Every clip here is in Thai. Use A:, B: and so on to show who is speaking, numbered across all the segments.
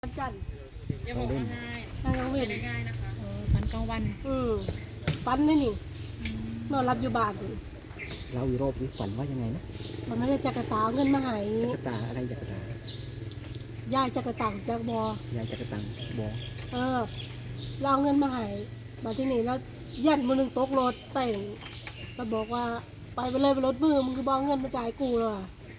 A: วันจันทร์
B: อย่าบอกว่าง่าย
A: ทางกลางเว
B: ไม่
A: น
B: ได้ง่ายนะคะ
C: ฝันกลางวัน
A: ปันนี่นี่นอนรับอยู่บ้านนี่
D: เราอีกรอบนี้ฝันว่ายังไงนะ
A: มันไม่ได้จักรตาเอาเงินมาให้
D: จักรตาอะไรจักรตาย
A: ายจักรตาจักรบอย
D: ายจักรตังบอ
A: เราเอาเงินมาให้มาที่นี่แล้วยันมือหนึ่งตกรถไปก็บอกว่าไปเลยไปรถมือมึงคือบอกเงินมาจ่ายกูเลย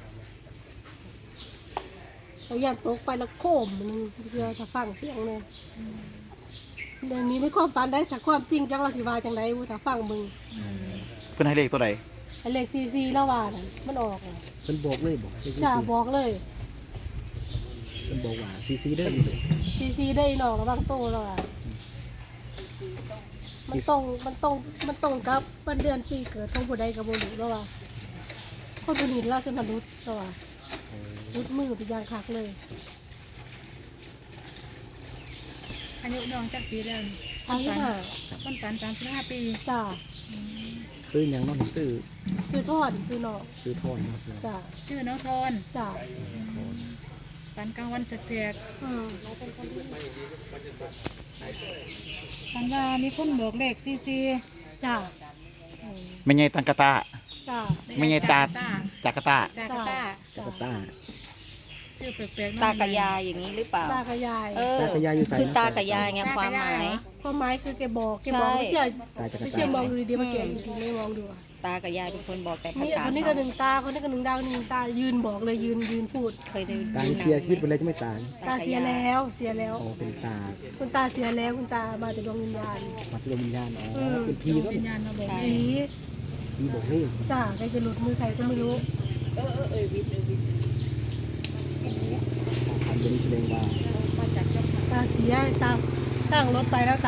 A: เรายันตกไปแล้วโค้มมันเชื่อถ้าฟังเสียงเลยเดี๋ยวนี้ไม่ความฝันได้แต่ความจริงจังเราสิวาจังไดวูถ้าฟังมึง
E: เพื่อนให้เลขตัวใด
A: ไอ้เลขซีแล้วว่าน่ะมันออกน่ะ
D: เพิ่นบอกเลยบอก
A: จ้าบอกเลย
D: เพิ่นบอกว่าซีเด้อ
A: ซีได้หนอกระวังโตแล้วอ่ะมันตรงกับวันเดือนปีเกิดของผู้ใดกับบุรุษแล้วว่ะคนผู้นี้ราชมนุษย์แล้วว่ะรุดมือเป็นอย่างคักเลย
C: อายุน้องจักปีแล้ว
A: ทั้งห้า
C: คนฝัน35 ปี
A: จ้า
D: ซื้อหยังเน้องซื้อ
A: ซื้อทอดซื้อหนอก
D: ซื้อทอดเนาะซื้อ
A: จ้า
C: ชื่อน้องทอน
A: จ้า
C: ฝันกลางวันแสก
A: อืม
C: ๆฝันว่ามีคนบอกเลขซีซี
A: จ้า
E: ไม่ใช่ตังกะตา
A: จ้า
E: ไม่ใช่ตาจากะตา
C: จาการ์ตา
D: จักรตา
C: ชื่อแปลกๆ
F: ตากับยายอย่างนี้หรือเปล่า
A: ตากับยาย
F: เออ
D: ตากับยายอยู่ใส่
F: คือตากับยายไงความหมาย
A: ความหมายคือแกบอกไม่เชื่อ
D: ตาจักร
A: ไม่
D: ตา
A: เชื่อมองดูดีๆมาแกะจริงๆไม่มองดูอะ
F: ตากับยายเป็นคนบอกแต่ภา
A: นี่
F: ษา
A: คนนี้ก็หนึ่งตาคนนี้ก็หนึ่งดาวหนึ่งตายืนบอกเลยยืนพูด
F: เคยได้
D: ตาเสียชีวิตไปเลยจะไม่ตาย
A: ตาเสียแล้วเสียแล้ว
D: อ๋อเป็นตา
A: คุณตาเสียแล้วคุณตามาแต่ดวงวิญญาณ
D: มาที่ดวงวิญญาณอ๋อเป็นผีก็
C: วิญญาณมาบอก
F: ใช่
A: ผี
D: ผีบอกเลข
A: จ้าใครจะหลุดมือใครก็ไม่รู้
D: ทำเป็นแสดงว่า
A: ตาเสียตาตั้งรถไปแล้วต